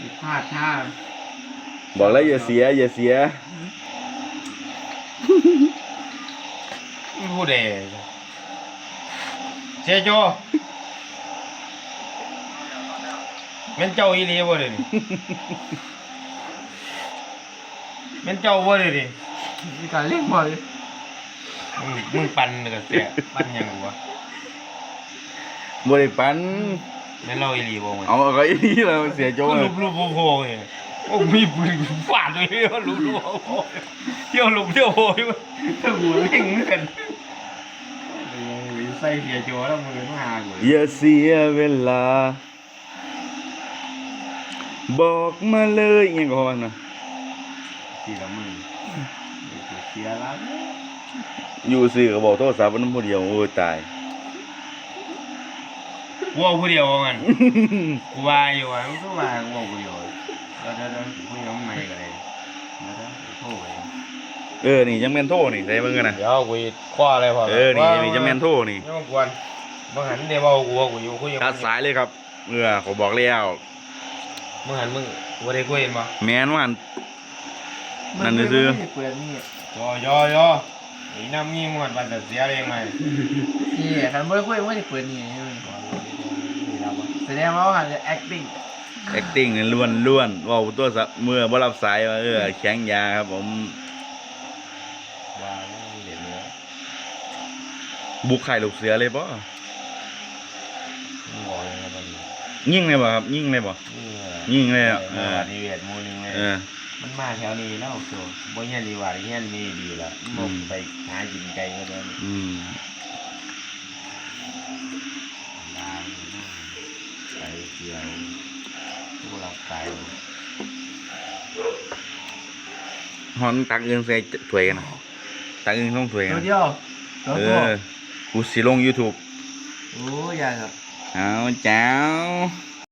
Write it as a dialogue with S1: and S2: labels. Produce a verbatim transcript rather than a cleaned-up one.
S1: พลาดท่า
S2: บอกแล้วอย่าเสียอย่าเสีย
S3: พูดเองเสียโจแม่นเจ้าอีหลีบ่เด้นี่แม่นเจ้าบ่เด้นี่
S1: มีการเล่นบอล
S3: มึงมึงปั่นก็เสียปั่นหยังวะ
S2: บ่ได้ปัน
S3: แม่นเราอีหลีบ่มึง
S2: เอาก็อีนี่เราเสียโจ้
S3: ลูบลูบโผล่เนี่ยโอ้มีปืนฟาดเลยว่าลูบลูบโผล่เที่ยวลูบเที่ยวโผล่ถ้าหัวเล่งกันใส่เสียโจแล้วมึงมาหากู
S2: อย่าเสียเวลาบอกมาเลยยังก็ว่านะ
S3: ทีละมือเสียแล้ว
S2: อยู่ซื่อก็บอกโทรศัพท์มันผู้เดียวโอ้ตาย
S3: กูเอาผู้เดียวมันกูว่าอยู่ว่ามึงก็ว่ากูเอาผู้เดียวแล้วแล้วผู้เดียวมันไม่กันเลยแล้วโทรไป
S2: เออนี่ยังแม่นโทรนี่ใส่เบิ่งกันนะ
S3: เดี๋ยวกูคว้าอะไรพอ
S2: เออนี่นี่ยังแม่นโทรนี่
S3: ยังกวนมึงหันเดี๋ยวเอากูกูอยู่คุย
S2: ตัดสายเลยครับเออเขาบอกแล้ว
S3: มึงหันมึงบ่ได้คุยมั้ย
S2: แม่นว่านั่นซื่อ
S1: เปิดนี่
S3: ยอยอยอไอ้น้ำงี้มันมันจะเสียเองไหม
S1: นี่คันบ่ได้คุยบ่ได้เปิดนี่แสดงว่าหันจะ acting
S2: acting ล้วนล้วนว่าตัวเมื่อบ่รับสายว่าเออแข็งยาครับผม
S3: ว่าเด็ดเนื้อ
S2: บุกไข่ลูกเสือเลยป่ะ
S3: ยิ่ง
S2: เลยป่ะครับยิ่งเลยป่ะยิ่งเลยอ่ะเออ
S3: นี่เวทมูนึงเลยมันมาแถวนี้แล้วโซ่บ่เงี้ยดีว่าเงี้ยนี่ดีละมึงไปหากินไก่ก็ได้
S2: อืม
S3: ไก่เกี่ยวผู้หลับไก่
S2: ฮอนตักเงินใส่ถ้วยกันนะตักเงินต้องถ้วยกัน
S1: เดียว
S2: เออกูสิลง YouTube
S1: โอ้ยยากครับ
S2: เอาเจ้า